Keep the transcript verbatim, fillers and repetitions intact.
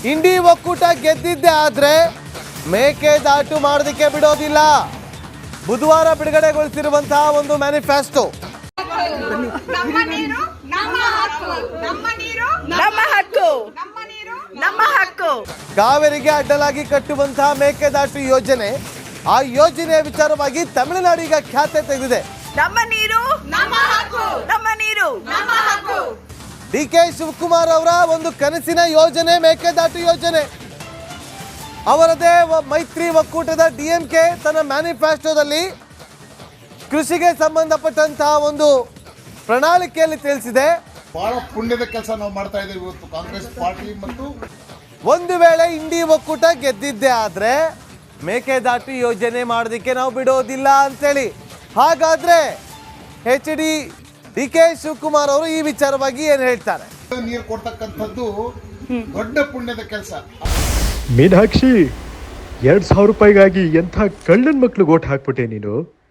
ಇಂಡಿ ಒಕ್ಕೂಟ ಗೆದ್ದಿದ್ದೆ ಆದ್ರೆ ಮೇಕೆದಾಟು ಮಾಡೋದಕ್ಕೆ ಬಿಡೋದಿಲ್ಲ. ಬುಧವಾರ ಬಿಡುಗಡೆಗೊಳಿಸಿರುವಂತಹ ಒಂದು ಮ್ಯಾನಿಫೆಸ್ಟೋ. ನಮ್ಮ ನೀರು ನಮ್ಮ ಹಕ್ಕು, ನಮ್ಮ ನೀರು ನಮ್ಮ ಹಕ್ಕು, ನಮ್ಮ ಹಕ್ಕು. ಕಾವೇರಿಗೆ ಅಡ್ಡಲಾಗಿ ಕಟ್ಟುವಂತಹ ಮೇಕೆದಾಟು ಯೋಜನೆ, ಆ ಯೋಜನೆಯ ವಿಚಾರವಾಗಿ ತಮಿಳುನಾಡು ಈಗ ಖ್ಯಾತೆ ತೆಗೆದಿದೆ. ನಮ್ಮ ನೀರು ನಮ್ಮ ಹಕ್ಕು, ನಮ್ಮ ನೀರು ನಮ್ಮ ಹಕ್ಕು. ಡಿ ಕೆ ಶಿವಕುಮಾರ್ ಅವರ ಒಂದು ಕನಸಿನ ಯೋಜನೆ ಮೇಕೆದಾಟು ಯೋಜನೆ. ಅವರದೇ ಮೈತ್ರಿ ಒಕ್ಕೂಟದ ಡಿ ಎಂ ಕೆ ತನ್ನ ಮ್ಯಾನಿಫೆಸ್ಟೋದಲ್ಲಿ ಕೃಷಿಗೆ ಸಂಬಂಧಪಟ್ಟಂತಹ ಒಂದು ಪ್ರಣಾಳಿಕೆಯಲ್ಲಿ ತಿಳಿಸಿದೆ. ಬಹಳ ಪುಣ್ಯದ ಕೆಲಸ ನಾವು ಮಾಡ್ತಾ ಇದ್ದೇವೆ ಇವತ್ತು ಕಾಂಗ್ರೆಸ್ ಪಾರ್ಟಿ. ಮತ್ತು ಒಂದು ವೇಳೆ ಇಂಡಿ ಒಕ್ಕೂಟ ಗೆದ್ದಿದ್ದೆ ಆದ್ರೆ ಮೇಕೆದಾಟು ಯೋಜನೆ ಮಾಡೋದಕ್ಕೆ ನಾವು ಬಿಡೋದಿಲ್ಲ ಅಂತೇಳಿ. ಹಾಗಾದ್ರೆ H D D K Shivakumar ಅವರು ಈ ವಿಚಾರವಾಗಿ ಏನ್ ಹೇಳ್ತಾರೆ? ನೀರು ಕೊಡ್ತಕ್ಕಂಥದ್ದು ದೊಡ್ಡ ಪುಣ್ಯದ ಕೆಲಸ. ಮೀನಾಕ್ಷಿ, ಎರಡ್ ಸಾವಿರ ರೂಪಾಯಿಗಾಗಿ ಎಂಥ ಕಳ್ಳನ್ ಮಕ್ಳು ಓಟ್ ಹಾಕ್ಬಿಟ್ಟೆ ನೀನು.